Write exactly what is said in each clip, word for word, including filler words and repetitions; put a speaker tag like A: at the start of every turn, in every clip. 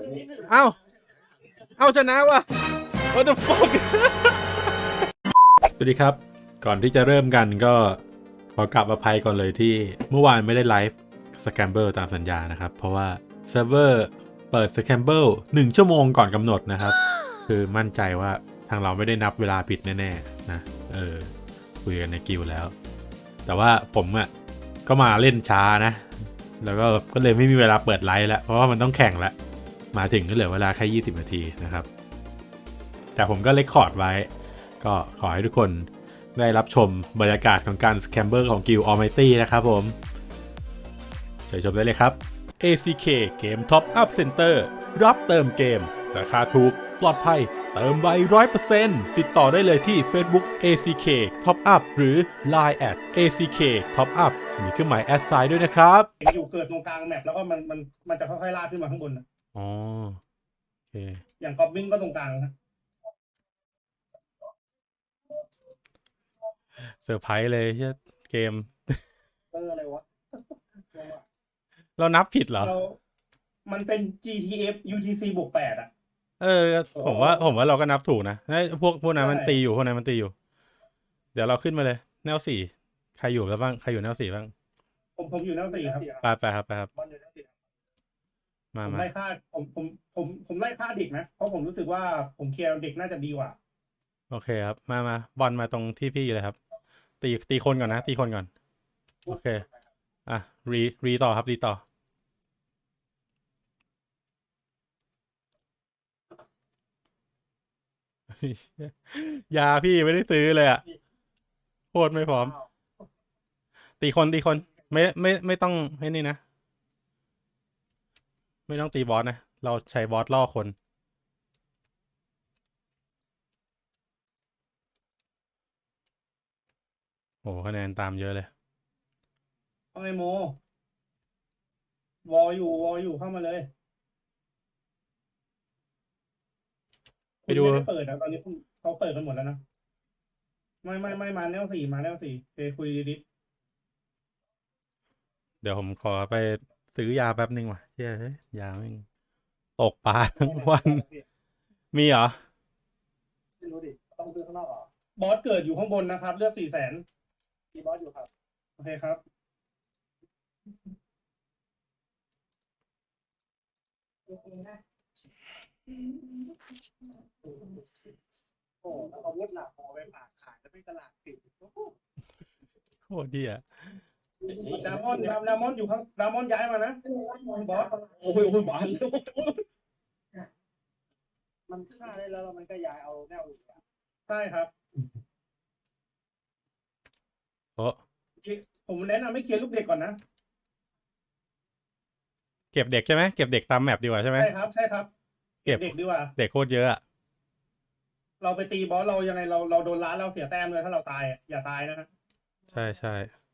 A: เอ้าเอ้าชนะวะ What the fuck สวัสดีครับก่อนที่จะเริ่มกันก็ขอกลับอภัยก่อนเลยที่เมื่อวานไม่ได้ไลฟ์สแคมเบิลตามสัญญานะครับเพราะว่าเซิร์ฟเวอร์เปิดสแคมเบิลหนึ่งชั่วโมงก่อนกำหนดนะครับคือมั่นใจว่าทางเราไม่ได้นับเวลาผิดแน่ๆนะเออคุยกันในกิลแล้วแต่ว่าผมอ่ะก็มาเล่นช้านะแล้วก็ก็เลยไม่มีเวลาเปิดไลฟ์แล้วเพราะว่ามันต้องแข่งแล้วมาถึงก็เหลือเวลาแค่ยี่สิบนาทีนะครับแต่ผมก็เรคคอร์ดไว้ก็ขอให้ทุกคนได้รับชมบรรยากาศของการสแคมเบอร์ของกิล Almighty นะครับผมเชิญชมได้เลยครับ เอ ซี เค เกม Top Up Center รับเติมเกมราคาถูกปลอดภัยเติมไว ร้อยเปอร์เซ็นต์ ติดต่อได้เลยที่ Facebook เอ ซี เค Top Up หรือ ไลน์ แอท เอ ซี เค Top Up มีเครื่องหมายแอดไซน์ด้วยนะครับ
B: อยู่เกิดตรงกลางแมปแล้วก็มันมันมันจะค่อยๆลากขึ้นมาข้างบนนะ
A: อ๋อโอเค
B: อย่างกอบบิงก็ตรงกลางนะ
A: เซอร์ไพรส์เลยเชี่ยเกม
B: เอออะไรวะ
A: เรานับผิดเหรอ
B: เรามันเป็น จี ที เอฟ ยู ที ซี บวกแปดอ่ะ
A: เออผมว่าผมว่าเราก็นับถูกนะพวกพวกนั้นมันตีอยู่พวกนั้นมันตีอยู่ เดี๋ยวเราขึ้นมาเลยแนวสี่ใครอยู่แล้วบ้างใครอยู่แนวสี่บ้าง
B: ผมผมอยู่แนวสี่ครับ
A: ไปไปครับไปครับมา
B: ผม
A: มา
B: ไล่ฆ่าผมผมผมผมไล่ฆ่าเด็กนะเพราะผมรู้สึกว่าผมเคลียร์เด็กน่าจะดีกว่า
A: โอเคครับมามาบอลมาตรงที่พี่เลยครับตีตีคนก่อนนะตีคนก่อนโอเคอ่ะรีรีต่อครับรีต่อยาพี่ไม่ได้ซื้อเลยอ่ะโคตรไม่พร้อมตีคนตีคนไม่ไม่ไม่ต้องให้นี่นะไม่ต้องตีบอสนะเราใช้บอสล่อคนโอ้คะแนนตามเยอะเลย
B: เอาไงโมวออยู่วออยู่เข้ามาเลย
A: ไปดู
B: ไม่ได้เปิดนะตอนนี้เขาเปิดกันหมดแล้วนะไม่ไม่ไม่มาแนวสี่มาแนวสี่เคคุยดี
A: เดี๋ยวผมขอไปซื้อยาแป๊บนึงว่ะเชื่อเฮ้ยยาแม่งตกปลาทั้งวันมีเหรอ
B: ไม่รู้ดิต้องซื้อข้างนอกเหรอบอสเกิดอยู่ข้างบนนะครับเลือดสี่แสนมีบอสอยู่ครับโอเคครับโอ้แล้วอาวุธหลักพอไปฝากขายแล้วไม่ตลาดปิด
A: โคตรเหี้ย
B: ดามอนดามดามอนอยู่ข้างดามอนย้ายมานะบอสโอ้ยโอ้ยบอส
C: มันฆ่าได้แล้วแล้วมันก็ย้ายเอาแนวอื่นอะ
B: ใช่ครับ
A: โอ้
B: ผมแนะนำให้เคลียร์ลูกเด็กก่อนนะ
A: เก็บเด็กใช่ไหมเก็บเด็กตามแมปดีกว่าใช่ไหม
B: ใช่ครับใช่ครับเก็บเด็กดีกว่า
A: เด็กโคตรเยอะอะ
B: เราไปตีบอสเรายังไงเราเราโดนล้านเราเสียแต้มเลยถ้าเราตายอย่าตายนะฮะ
A: ใช่ใช่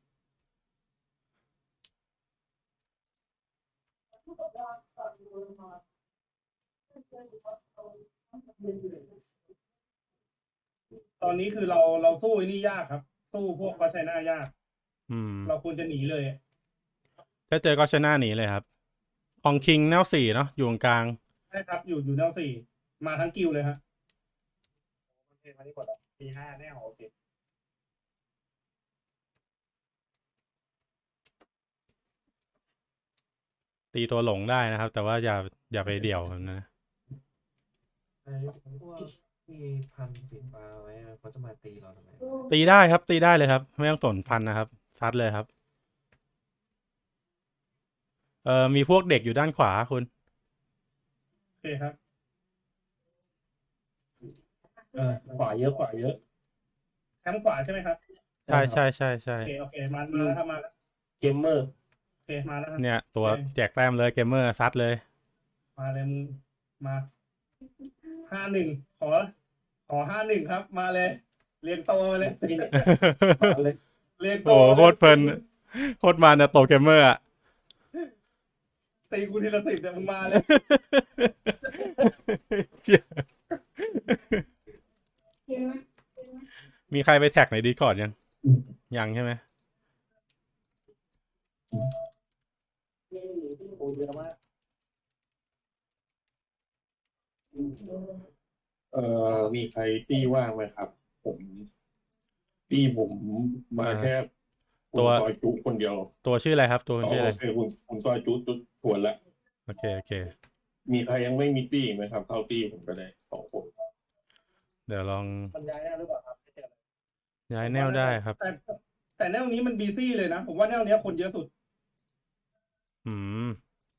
B: ตอนนี้คือเราเราสู้ไอ้นี่ยากครับสู้พวกก็ใช้หน้ายาก
A: อืม
B: เราควรจะหนีเลย
A: ถ้าเจอก็ชนะหนีเลยครับของคิงแนวสี่เนาะอยู่ตรงกลาง
B: ใช่ครับอยู่อยู่แนวสี่มาทั้งกิวเลยฮะ
C: มันเทมาที่กดอ่ะมีห้าแนวโอเค
A: ตีตัวหลงได้นะครับ แต่ว่าอย่าอย่าไปเดี่ยวนะ
D: ไอ้พวกที่พันสีฟ้าไว้อะเขาจะมาตีเราทำไม
A: ตีได้ครับ ตีได้เลยครับ ไม่ต้องสนพันนะครับซัดเลยครับเอ่อมีพวกเด็กอยู่ด้านขวาคุณ
B: โอเคครับเออขวาเยอะขวาเยอะแคมป์ขวาใช่ไหมครับ
A: ใช่ใช่ใช่ใช่
B: โอเคโอเคมามาแล้วครับมาแล้ว
D: เกมเมอร์
B: โอเคมาแล้วครับ
A: เนี่ยตัวแจกแต้มเลยเกมเมอร์ซัดเลย
B: มาเลยมึงมาห้าหนึ่งขอขอห้าหนึ่งครับมาเลยเรียงโตมาเลยเรียงโต
A: โอ้โคตรเพลินโคตรมันนะโตเกมเมอร์อะ
B: ตีกูทีละสิบเนี่ยมึงมาเลย
A: มีใครไปแท็กในดีคอร์ดยังยังใช่ไหม
C: โอ้เยอะมาก
E: เอ่อมีใครตี้ว่างไหมครับ ผมตี้ผมมาแค่คุ
A: ตั
E: ณ
A: ว
E: ซอยจุคนเดียว
A: ตัวชื่ออะไรครับ ตัวคุณ
E: อ๋อ
A: ชื่ออะไร
E: โอเคคุณคุณซอยจุจุดทวนละ
A: โอเคโอเค
E: มีใครยังไม่มีตี้ไหมครับเข้าตี้ผมก็ได้สองคน
A: เดี๋ยวลอง
C: มันย้ายได้หรือเปล่าครับไม่เจอเลย
A: ย้ายแนวได้ครับ
B: แต่แต่แนวนี้มันบีซี่เลยนะ ผมว่าแนวเนี้ยคนเยอะสุด
A: อืม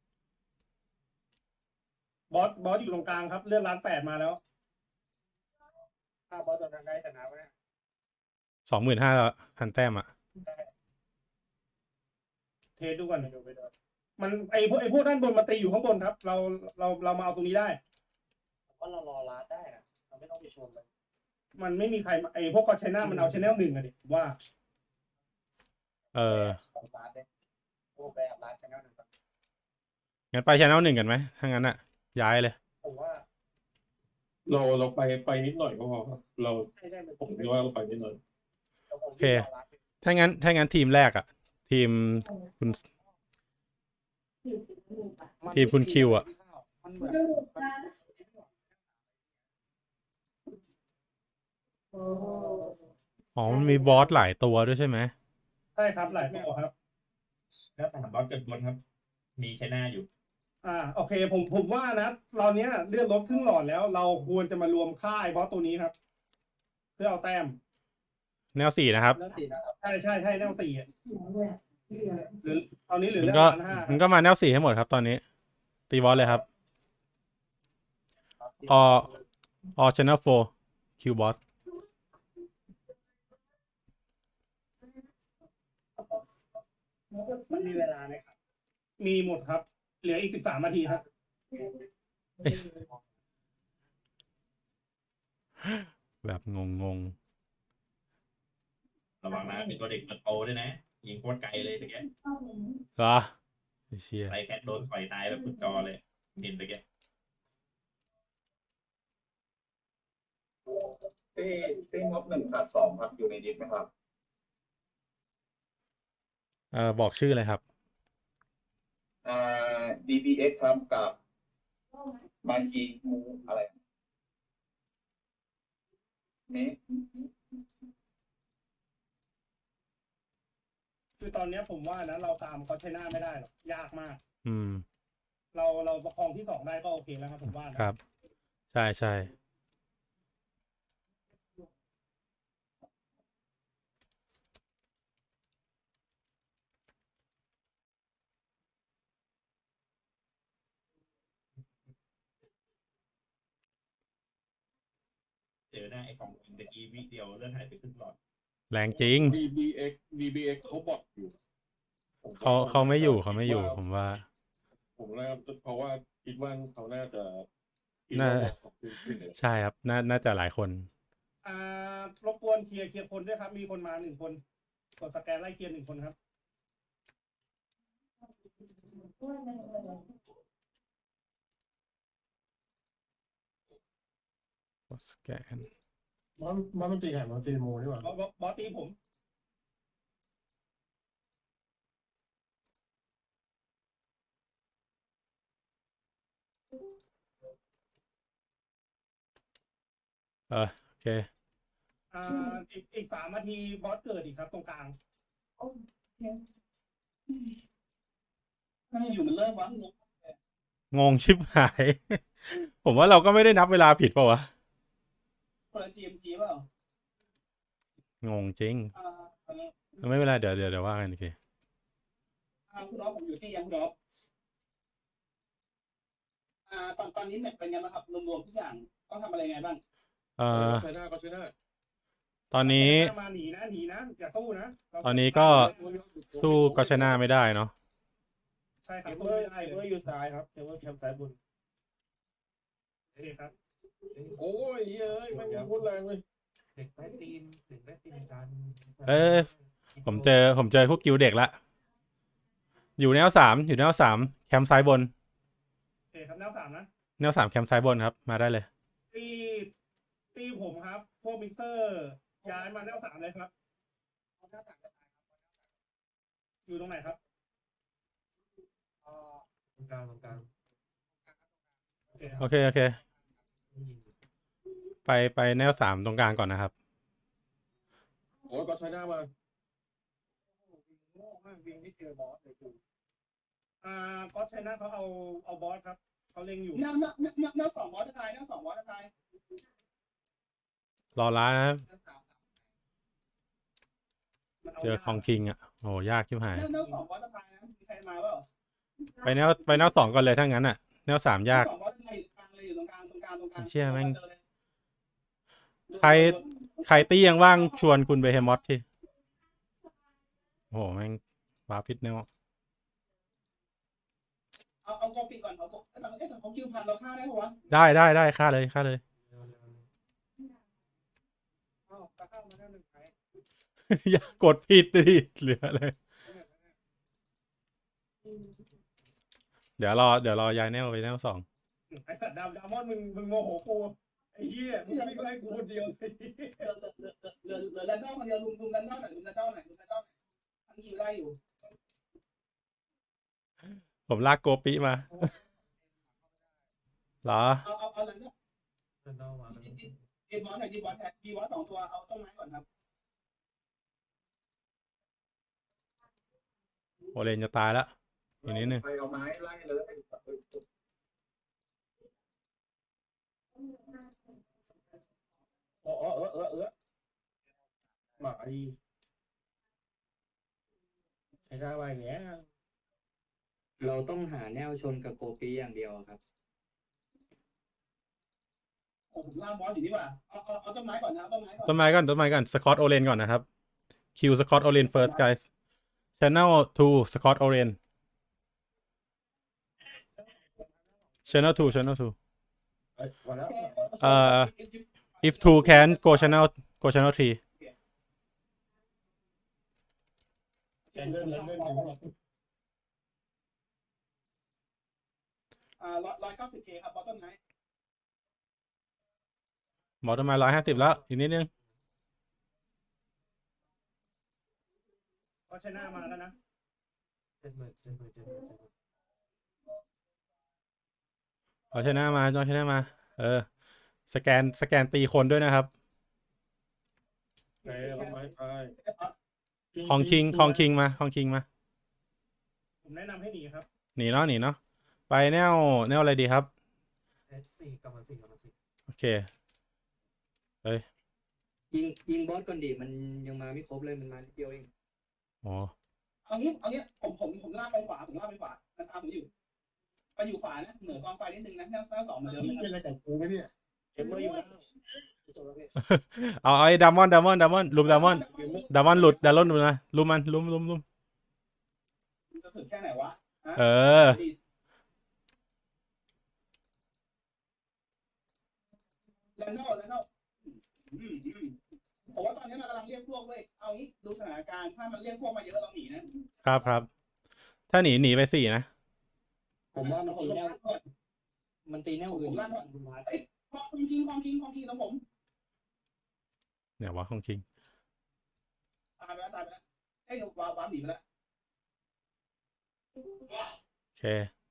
B: บอสบอสอยู่ตรงกลางครับ เลื่อนล้านแปดมาแล้ว
C: ถ้าบอสตอนนั้นได้ชนะไว้เนี่ย
A: สองหมื่นห้าพันแต้มอ่ะ
B: เทสดูก่อนมันไอพวกไอพวกด้านบนมาตีอยู่ข้างบนครับ เราเราเรามาเอาตรงนี้ได้
C: ผมว่าเรารอร้านได้นะเราไม่ต้องไปชนเลย
B: มันไม่มีใครมาไอพวกกอชไชน่ามันเอาชแนลหนึ่งอะดิผมว่า
A: เออ
C: ของร้านเลยโอ้แบบร้านชนะหนึ่ง
A: งั้นไปชแนลหนึ่งกันไหมถ้างั้นอ่ะ ย้ายเลย
C: ผมว่า
E: เราเราไปไปนิดหน่อยก็พอครับเรา
C: ให้ได้เป็น
E: ผมคิดว่าเราไปนิดหน่อย
C: โอ
A: โอเค ถ้างั้น ถ้างั้นทีมแรกอ่ะ ทีมคุณ ทีมคุณคิวอะ
C: มันเหมือนมัน
A: อ๋อ มันมีบอสหลายตัวด้วยใช่ไหม
B: ใช่ครับหลายตัวครับ
F: แล้วถามบอสเกิดบนครับ มีใช้หน้าอยู่
B: อ่าโอเคผมผมว่านะเราเนี้ยเลื่อนลบครึ่งหลอดแล้ว เราควรจะมารวมค่ายบอสตัวนี้ครับ เพื่อเอาแต้ม
A: แนวสี่นะครับ
C: เรื่องสีนะครับ
B: ใช่ใช่ใช่แนวสี่อะหรือตอนนี้เหลือ
A: มัน
B: เรื่อง
A: ก็
B: ล้านห้า
A: มันก็มาแนวสี่ให้หมดครับตอนนี้ ตีบอสเลยครับ ออชแนลโฟคิวบอส
C: มันมีเวลาไหมครับ
B: มีหมดครับ เหลืออีกสิบสามนาทีครับ
A: แบบงงง
F: ระวังนะมีตัวเด็กมันโตด้วยนะ ยิงโคตรไกลเลยตะเกีย
A: ๆเหรอไอ้เชี่ย
F: ไรแคทโดนต่อยตายแบบสุดจอเลยเห็นตะเกีย
E: ตี้ตี้งบหนึ่งขาดสองครับอยู่ในดิสไหมครับ
A: เออบอกชื่อเลยครับ
E: อ่า ดี บี เอ็กซ์ ครับกับมาชีมูอะไรนี่
B: คือตอนเนี้ยผมว่านะเราตามกอชไชน่าไม่ได้หรอกยากมาก
A: อืม
B: เราเราประคองที่สองได้ก็โอเคแล้วครับผมว่านะครับ
A: ใช่ใช่
F: เจอหน้าไอ้ของตะกี้วิเดียวเลื่อนหายไปครึ่งหลอด
A: แรงจริง
E: ดี บี เอ็กซ์ ดี บี เอ็กซ์ เขาบอกอยู่ผมว่
A: เขาเขาไม่อยู่
E: น่
A: เขาไม่อยู่
E: คิดว่
A: ผมว่า
E: ผมน่าเพราะว่าคิดว่าเขาน่าจะคิด
A: น่า
E: ว่าบอกขึ้นขึ้นเลย
A: ใช่ครับ น่าน่าจะหลายคน
B: อ่ารบกวนเคลียร์เคลียร์คนด้วยครับ มีคนมาหนึ่งคนกดสแกนไล่เคลียร์หนึ่งคนครับ
A: สแกน
C: บอสบอสมันตีไข่มันตีโมดีกว่า
B: บอสบอสบอสตีผม
A: เออโอเค
B: อ่าอีกอีกสามนาทีบอสเกิดอีกครับตรงกลางถ้าอยู่มันเริ่มวะ
A: งงชิบหาย ผมว่าเราก็ไม่ได้นับเวลาผิดเปล่าวะ
B: คนละ จี เอ็ม ซี เปล่าง
A: งจริง
B: อ่าอันนี้
A: ไม่เป็นไรเดี๋ยวเดี๋ยวเดี๋ยวว่ากันโอเค
B: อ่าคุณอ๊อฟผมอยู่ที่ยังคุณอ๊อฟอ่าตอนตอนนี้แมตช์เป็นไงบ้างครับรวมๆทุกอย่างต้องทำอะไรไงบ้าง
A: เอ่อ
E: ใช้หน้าก็ใช้หน้า
A: ตอนนี้
B: มาหนีนะหนีนะอย่าสู้นะเรา
A: ตอนนี้ก็ สู้ก็ชนะไม่ได้เนาะ
B: ใช่ค
C: เครับ
B: สู้
C: เบอ
B: ไม่
C: ร์
B: ได้
C: เค
B: เล
C: เบิล
B: ย
C: อยู่ซ้ายครับเคเบิลแคมป์ซ้ายบน
B: โอเคครับ
E: โอ้ยเฮ้ยไม่มีพูดแรงเลย
D: เด็กได้ตีนเด็กได้ตีนกัน
A: เอ้ย ผมเจอผมเจอพวกกิวเด็กละ อยู่แนวสามอยู่แนวสามแคมป์ซ้ายบน
B: โอเคครับแนวสามนะ
A: แนวสามแคมป์ซ้ายบนครับ มาได้เลย
B: ตีตีผมครับ พวกมิกเซอร์ย้ายมาแนวสามเลยครับ อยู่ตรงไหนครับ
D: ตรงกลางตรงกลาง
B: โอเคครับ
A: โอเคโอเคไปไปแนวสามตรงกลางก่อนนะครับ
C: โอ้ยก็ใช้หน้ามา
B: โง่มากวิ่งไม่เจอบอสเลยกูอ่าก็ใช้หน้าเขาเอาเอาบอสครับเขาเล็งอยู่
E: แนวแนวแนวแนวแนวสองบอสจะตายแนวสองบอสจะตาย
A: รอร้านนะครับ
B: มันเอา
A: เจอของคิงอ่ะโอ้ยากชิบหาย
E: แนวแนวสองบอสจะตายนะมีใครมาเปล่า
A: ไปแนวไปแนวสองก่อนเลยถ้างั้นอ่ะ แนวสามยาก
E: สองบอสจะตายอยู่กลางเลยอยู่ตรงกลางตรงกลางตรงกลาง
A: เชี่ยแม่ง
E: จอเลย
A: ใคร ใครตี้ยังว่างชวนคุณเบเฮมอสที่โอ้โหแม่งบาฟิตแนว
E: เอาเอาโกปิก่อนเอาโกเอ้ยแต่เอ้ยแต่เขาคิวพันเราฆ่าได้ปะวะ
A: ได้ได้ได้ค่าเลยค่าเลย
D: เร็วเร็วเร็ว
C: อ้าวตะข้ามมาแนวหนึ่งไป
A: อย่ากดผิดดิเหลือเลย เดี๋ยวรอเดี๋ยวรอย้ายแนวไปแนวสอง
B: ไอ้สัตว์ดำดามอนมึงมึงโมโหกูไอ้เหี้ยมึงวิ่งไล่กูคนเดียวเลย
E: เหลือเหลือเหลือเหลือแรนดอลคนเดียวลุมลุมแรนดอลหน่อยลุมแรนดอลหน่อยลุมแรนดอลหน่อยทั้งคิวไล่อยู่
A: ผมลากโกปิมาเหรอ
E: เอาเอาเอาแรนดอล
D: เดินเอามาแล้ว
E: จีบอสหน่อยจีบอสแทนจีบอสสองตัวเอาต้นไม้ก่อนครับ
A: โอเลนจะตายแล้วอีกนิดนึง
E: ไปเอาไม้ไล่เลย
B: โอ้โอ้เออเออเออหมาดีใช้หน้าไปอย่างเงี้ย
G: เราต้องหาแนวชนกับโกปีอย่างเดียวครับ
E: โอ้ผมล่าบอสอยู่นี่ว่าเอาเอาเอาต้นไม้ก่อนนะเอาต้นไม้ก่อน
A: ต้นไม้ก่อนต้นไม้ก่อนสกอตโอเลนก่อนนะครับคิวสกอตโอเลน first guys channel two สกอตโอเลน channel two channel two
B: เอ้ยมาแล้ว
A: เอ่อ if two can go channel go channel three
B: แกเลื่อนเลื่อนเลื่อน
E: อ่าร้อยร้อยเก้าสิบเคครับบอสต้นไม้
A: หมอต้นไม้ร้อยห้าสิบแล้วอีกนิดนึง
B: ก็ใช้หน้ามาแล้วนะ
D: เจ็ดหมื่นเจ็ดหมื่นเจ็ดหมื่นเจ็ดหมื่น
A: เอาชนะมาเอาชนะมา เออ สแกนสแกนตีคนด้วยนะครับ
B: ไปเอาไม้ไป
A: ของคิงของคิงมาของคิงมา
B: ผมแนะนำให้หนีครับ
A: หนีเนาะหนีเนาะไปแนวแนวอะไรดีครับ
D: เอสสี่กลับมาสี่กลับมาสี่
A: โอเค
G: ยิงยิงบอสก่อนดิมันยังมาไม่ครบเลยมันมานิดเดียวเอง
A: อ๋อ
E: เอางี้เอางี้ผมผมผมลากไปขวาผมลากไปขวามันตามผมอยู่ไปอยู่ขวานะเหนือกองไฟนิดนึงนะแนวแนวสองเหมือนเดิม
C: นี่
E: นะ
C: เป็นอะไรกับกูไหมเนี่ย
B: เห็นมาอยู่แล้ว
A: เอาไอ้ดามอนดามอนดามอนลุมดามอนดามอนหลุดดามอนหลุดนะลุมมันลุมลุมลุม
E: จะสุดแค่ไหนวะฮะ
A: เออ
E: แลนโดแลนโดอืมอืมผมว่าตอนนี้มันกำลังเรียกพวกเว้ยเอางี้ดูสถานการณ์ถ้ามันเรียกพวกมาเยอะเราหนีนะครับ
A: ครับถ้าหนีหนีไปสี่นะ
G: ผมว่ามัน
E: ผม
G: ตี
E: ลง
G: แนว
E: ล่างก่อน
G: มันตีแนวอื่น
E: ผมล่างก่อนเอ้ยของคิงของคิงของคิงของผม
A: เนี่ยวะของคิง
E: ตายไปแล้วตายไปแล้วเอ้ยวาวาวหนีไปแล้ว
A: โอเค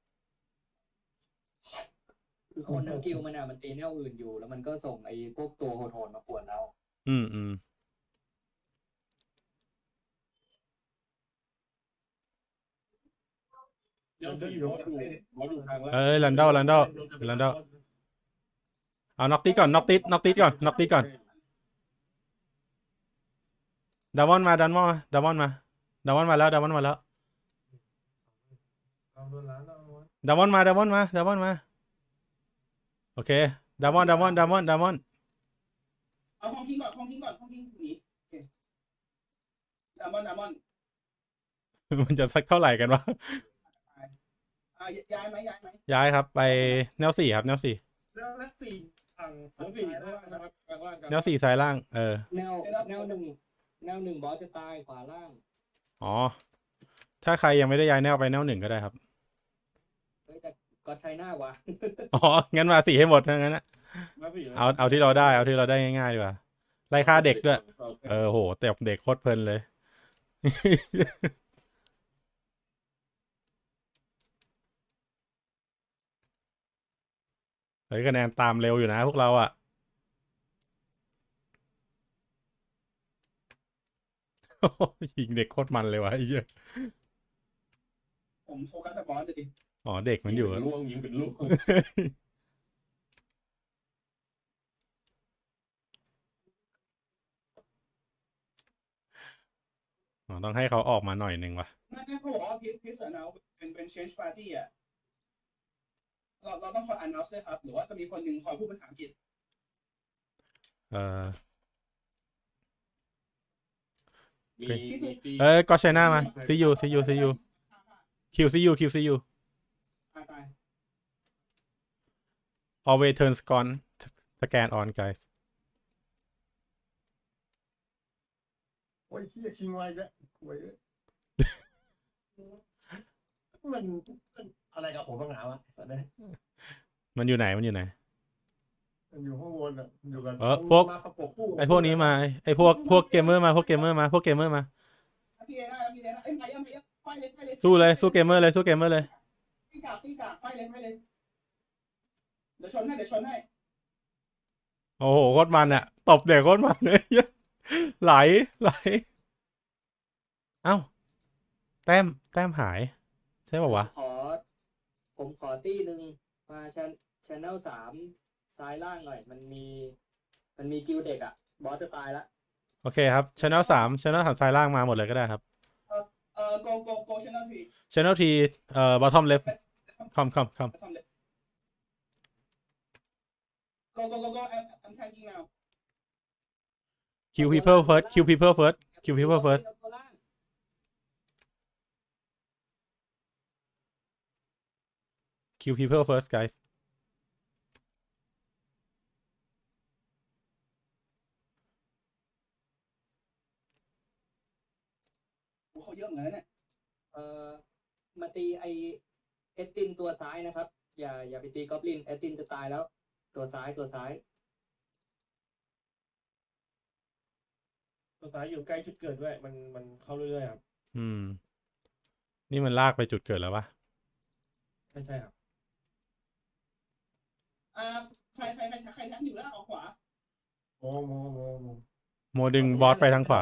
G: คือคนทั้งกิลมันอ่ะมันตีแนวอื่นอยู่ แล้วมันก็ส่งไอ้พวกตัวโหดๆมาปวดเรา
A: อืมอืม
B: เดี๋ยวจะอยู่บอสอยู่ทางแล้ว
A: เอ้ยลันดอลลันดอลลันดอลเอาน็อกติก่อนน็อกติน็อกติก่อนน็อกติก่อนดามอนมาดามอนมาดามอนมาดามอนมาแล้วดามอนมาแล้ว
D: เอาโดนล้านแล้ววะ
A: ดามอนมาดามอนมาดามอนมาโอเคดามอนดามอนดามอนดามอน
E: เอาของคิงก่อนของคิงก่อนของคิงหนีโอเคดามอนดามอน
A: มันจะสักเท่าไหร่กันวะ
E: อ่าย้ายไหมย้ายไหม
A: ย้ายครับไปแนวสี่ครับแนวสี่
B: แล้วแล้วสี่ฝั่ง
C: ทั้
B: ฝั่
C: ง
B: ง
C: สี่
B: ซ้าย
C: ข้างล่างนะครับข้างล่างกัน
A: แนวสี่ซ้ายล่าง เออ
G: แนวแนวหนึ่งแนวหนึ่งบอสจะตายขวาล่าง
A: อ๋อ ถ้าใครยังไม่ได้ย้ายแนวไปแนวหนึ่งก็ได้ครับ
G: เฮ้ยแต่ก็ใช้หน้าวะ
A: อ๋อ งั้นมาสี่ให้หมดทั้งนั้นนะ
C: มาสี่
A: เอาเอาที่เราได้ เอาที่เราได้ง่ายๆดีกว่า ไล่ฆ่าเด็กด้วย เออโหแต่เด็กโคตรเพลินเลย เฮ้ยคะแนนตามเร็วอยู่นะพวกเราอ่ะยิงเด็กโคตรมันเลยวะไอ้เหี้ย
E: ผมโฟกัสแต่บอสจะดิ
A: อ๋อเด็กมันอยู่
F: ล่วงยิงเป็นลูก
A: อ๋อต้องให้เขาออกมาหน่อยหนึ่งว่ะ
E: ไม่ไม่เขาบอกว่าพิพิสเนาเป็นเป็น change party อ่ะเราเราต้องคอย announce ด้วยครับ หรือว่าจะมีคนหนึ่งคอยพูดภาษาอังกฤษ
A: เออ
F: มี
E: ที่สุด
F: มี
A: เอ้ยก็ใช้หน้ามาซียูซียูซียูคิวซียูคิวซียู
E: ตายตาย
A: always turn scan scan on guys
C: โอ้ยเชี่ยชิงไว้แล้วโว้ยมันมันอะไรกับผมบ้างหาวะตอนนี้
A: มันอยู่ไหนมันอยู่ไหน
C: มันอยู่ข้างบนอ่ะอยู่กัน
A: เออพวก
C: มาประกบคู่
A: ไอพวกนี้มาไอพวกพวกเกมเมอร์มาพวกเกมเมอร์มาพวกเกมเมอร์มา
E: พี่เดน่าพี่เดน่าเอ้ยไม่เอ้ยไม่เอ้ยไฟเลยไฟเลย
A: สู้เลยสู้เกมเมอร์เลยสู้เกมเมอร์เลย
E: ตีกากตีกากไฟเลยไฟเลยเดี๋ยวชนให้เดี๋ยวชนให้
A: โอ้โหโคตรมันอะตบเด็กโคตรมันเลย ไหลไหลเอ้าแต้มแต้มหายใช่ป่าวะ
G: ขอ ผมขอตี้หนึ่งมาชชแนลสามซ้ายล่างหน่อย มันมี มันมีกิลเด็กอะบอสจะตายละ
A: โอเคครับช anel สามช anel สามซ้ายล่างมาหมดเลยก็ได้ครับ
E: เอ่อ go go go channel three
A: channel T เอ่อ bottom left คอมคอมคอม
E: ทำเลย go go go go I'm I'm tanking now
A: kill people first kill people first kill people first kill people first guys
E: โอ้เขาเยอะเหมือนกันเนี่ย
G: เอ่อ มาตีไอเอสตินตัวซ้ายนะครับ อย่าอย่าไปตีกอบลินเอสตินจะตายแล้ว ตัวซ้ายตัวซ้าย
B: ตัวซ้ายอยู่ใกล้จุดเกิดด้วย มันมันเข้าเรื่อยๆครับ
A: อืม นี่มันลากไปจุดเกิดแล้วปะ
B: ใช่ใช่ครับ
E: อ่าใครใครใครใครแทงอยู่แล้วออกขวา
C: โมโมโมโม
A: โมดึงบอสไปทางขวา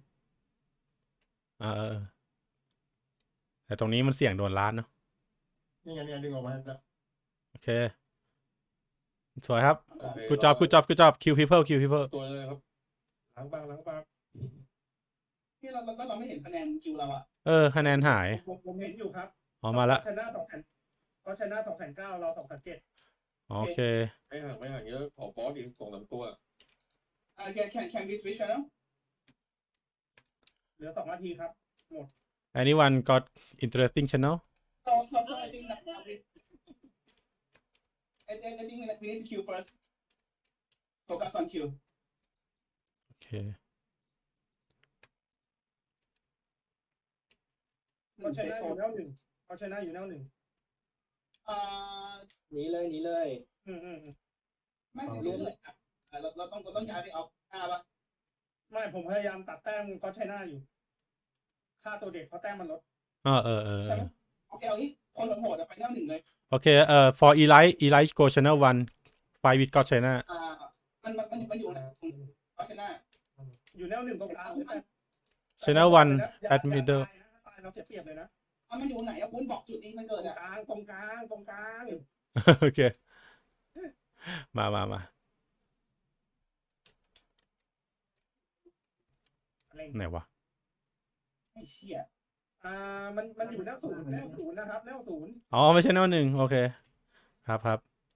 A: เออเออแต่ตรงนี้มันเสี่ยงโดนล้านเนาะ
C: นี่ไงนี่ไงดึงออกมาแล้ว
A: โอเค สวยครับ good job good job good job kill people kill people
F: ตัวเลยครับ
B: ล้างบางล้างบาง
E: ที่เราเราเราไม่เห็นคะแนนคิวเราอะ
A: เออคะแนนหาย
B: ผมผมเห็นอยู่ครับ
A: ออกมาละ
B: ชนะสองแสนก็ชนะสองแสนเก้าเราสองแสนเจ็ด
A: โอเค
F: ไม่ห่างไม่ห่างเยอะขอบอสอีกสองสามตัว
E: อ่า can can can we switch channel
B: เหลือสองนาทีครับ
A: anyone got interesting channel
E: so so so I think that I think I think we need to queue first focus on queue
A: โอเค
B: ก็ชนะอยู่แนวหนึ่งก็ชนะอยู่แนวหนึ่ง
E: อ่า
G: หนีเลยหนีเลย
B: อืมอืมอืม
E: ไม่จริงๆเลยอะอ่าเราเราต้องเราต้องย้ายไปเอาอ่าปะ
B: ไม่ผมพยายามตัดแต้มก็ชนะอยู่ ค่าตัวเด็กเพราะแต้มมันลด
A: เออเออเออ
E: ใช่ไหมโอเคเอางี้คนโหดๆอะไปแนวหนึ่งเลย
A: โอเคเอ่อ for Eli Eli go channel one five with God China
E: อ่ามันมันมันมันอยู่นะเอาชนะ
B: อยู่แนวหนึ่งตรงกลางเลยแต่
A: channel one
B: อย่า
A: at
B: อย่า
A: middle
B: ตายนะตายเราเสียเปรียบเลยนะ
E: อ่ะมันอยู่ไหนอะคุณบอกจุดนี้มัน
B: ต
E: เกิ
B: ร
E: ด
B: ง
E: อะ
B: กลางตรงกลางตรงกลาง
A: โอเค มามามา
B: อะไร
A: ไหนวะ
E: ไอ้เชี่ย
B: อ่ามันมันอยู่แนวศูนย์แนวศูนย์นะครับแนวศูนย์
A: อ๋อ ไม่ใช่แนวหนึ่งโอเค ครับครับ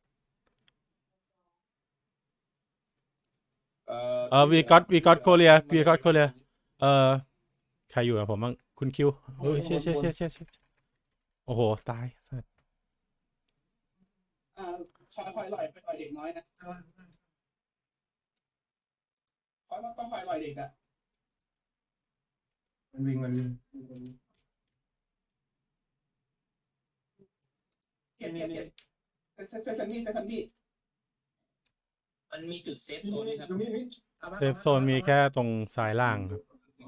F: เอ่อ
A: เออ we got we got Korea we got Korea เอ่อ ใครอยู่กับผมบ้างคุณคิวโอ้ยเชี่ยเชี่ยเชี่ยเชี่ยเชี่ยโอ้โห ตายสัส
E: อ่าคอยคอยลอยคอยลอยเด็กน้อยนะคอยต้องคอยลอยเด็กอะ
C: มันวิ่งมันวิ่ง
E: เก็บเก็บเก็บเซเซคันดี้เซคันดี้
H: มันมีจุดเซฟโซนด้วยครับ
C: ตรงนี้นี่อามา
A: เซฟโซนมีแค่ตรงซ้ายล่างครับ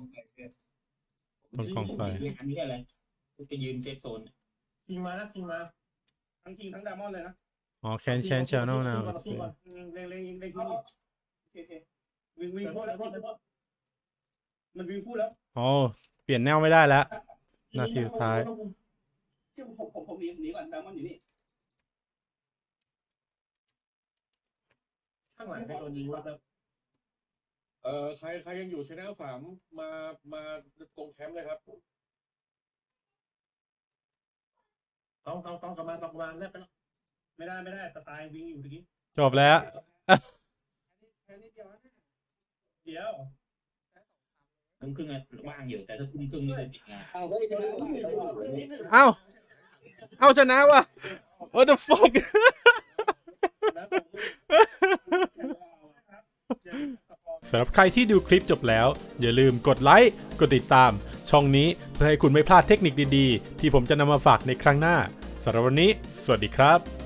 A: บนกองไฟ
H: ยืนอันนี้อะไรไปยืนเซฟโซน
C: ชิงมานะชิงมา
B: ทั้งคิงทั้งดามอนเลยนะ
A: อ๋อ can change channel now
C: ชิงก่อนชิงก่อน
B: อืมเล็งเล็งยิงเล็ง
E: เอา
B: ยิง
E: เอาโอเคโอเค
B: วิ่งวิ่ง
C: เดี๋ยว
B: โค
C: โทษ
B: ตร
C: เดี๋ยวโทษเดี๋ยวโทษ
B: มันวิ่งพูดแล้ว
A: อ๋อเปลี่ยนแนวไม่ได้แล้ว นาทีสุดท้าย
E: เชื่อผมผมผมหนีหนีก่อนดามอนอยู่นี่
C: ข้างหลังใครโดนยิงวะครับ
D: เอ่อใครใครยังอยู่ชแนลสามมามาตรงแคมป์เลยครับ
C: ต้องต้องต้องกลับมาต้องกลับมาเล่นไปแล้ว
B: ไม่ได้ไม่ได้ตะตายวิ่งอยู่ตะกี้
A: จบแล้ว
C: แค่นิดเดียวนะ
B: เดี๋ยว
H: ทุ่มครึ่งอะว่างอยู่แต่ถ้าทุ่มครึ่งนี่คือติดงาน
G: เอาเฮ้ยชนะ
A: เอ้า เอ้าชนะว่ะ What the fuck
C: แล้วผม
A: สำหรับใครที่ดูคลิปจบแล้ว อย่าลืมกดไลค์ กดติดตาม ช่องนี้เพื่อให้คุณไม่พลาดเทคนิคดีๆ ที่ผมจะนำมาฝากในครั้งหน้าสำหรับวันนี้ สวัสดีครับ